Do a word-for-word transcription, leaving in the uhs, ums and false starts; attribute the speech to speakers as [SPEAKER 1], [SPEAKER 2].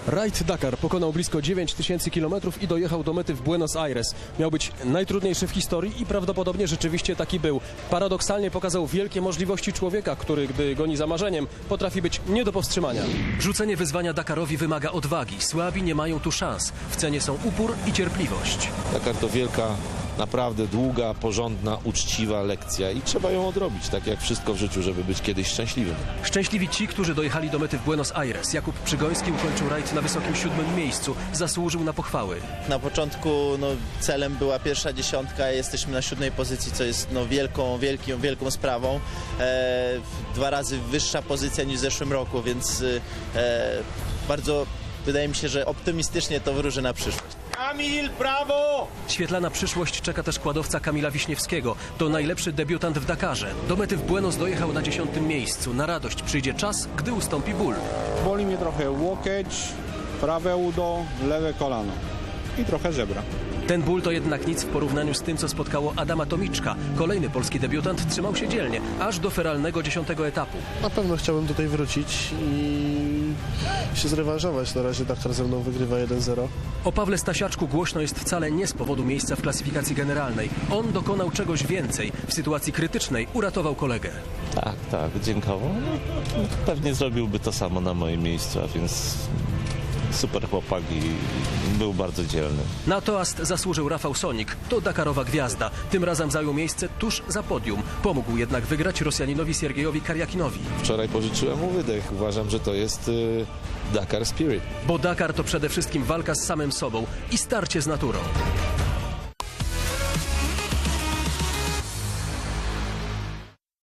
[SPEAKER 1] Raid Dakar pokonał blisko dziewięć tysięcy kilometrów i dojechał do mety w Buenos Aires. Miał być najtrudniejszy w historii i prawdopodobnie rzeczywiście taki był. Paradoksalnie pokazał wielkie możliwości człowieka, który, gdy goni za marzeniem, potrafi być nie do powstrzymania.
[SPEAKER 2] Rzucenie wyzwania Dakarowi wymaga odwagi. Słabi nie mają tu szans. W cenie są upór i cierpliwość.
[SPEAKER 3] Dakar to wielka, naprawdę długa, porządna, uczciwa lekcja i trzeba ją odrobić, tak jak wszystko w życiu, żeby być kiedyś szczęśliwym.
[SPEAKER 2] Szczęśliwi ci, którzy dojechali do mety w Buenos Aires. Jakub Przygoński ukończył rajd na wysokim siódmym miejscu. Zasłużył na pochwały.
[SPEAKER 4] Na początku no, celem była pierwsza dziesiątka, jesteśmy na siódmej pozycji, co jest no, wielką, wielką, wielką sprawą. E, dwa razy wyższa pozycja niż w zeszłym roku, więc e, bardzo wydaje mi się, że optymistycznie to wróży na przyszłość.
[SPEAKER 5] Kamil, brawo!
[SPEAKER 2] Świetlana przyszłość czeka też kładowca Kamila Wiśniewskiego. To najlepszy debiutant w Dakarze. Do mety w Buenos dojechał na dziesiątym miejscu. Na radość przyjdzie czas, gdy ustąpi ból.
[SPEAKER 6] Boli mnie trochę łokieć, prawe udo, lewe kolano i trochę żebra.
[SPEAKER 2] Ten ból to jednak nic w porównaniu z tym, co spotkało Adama Tomiczka. Kolejny polski debiutant trzymał się dzielnie, aż do feralnego dziesiątego etapu.
[SPEAKER 7] Na pewno chciałbym tutaj wrócić i się zrewanżować. Na razie Dakar ze mną wygrywa jeden zero.
[SPEAKER 2] O Pawle Stasiaczku głośno jest wcale nie z powodu miejsca w klasyfikacji generalnej. On dokonał czegoś więcej. W sytuacji krytycznej uratował kolegę.
[SPEAKER 3] Tak, tak, dziękował. No, pewnie zrobiłby to samo na moim miejscu, a więc super chłopak i był bardzo dzielny.
[SPEAKER 2] Na toast zasłużył Rafał Sonik. To dakarowa gwiazda. Tym razem zajął miejsce tuż za podium. Pomógł jednak wygrać Rosjaninowi Siergiejowi Karjakinowi.
[SPEAKER 3] Wczoraj pożyczyłem mu wydech. Uważam, że to jest y, Dakar Spirit.
[SPEAKER 2] Bo Dakar to przede wszystkim walka z samym sobą i starcie z naturą.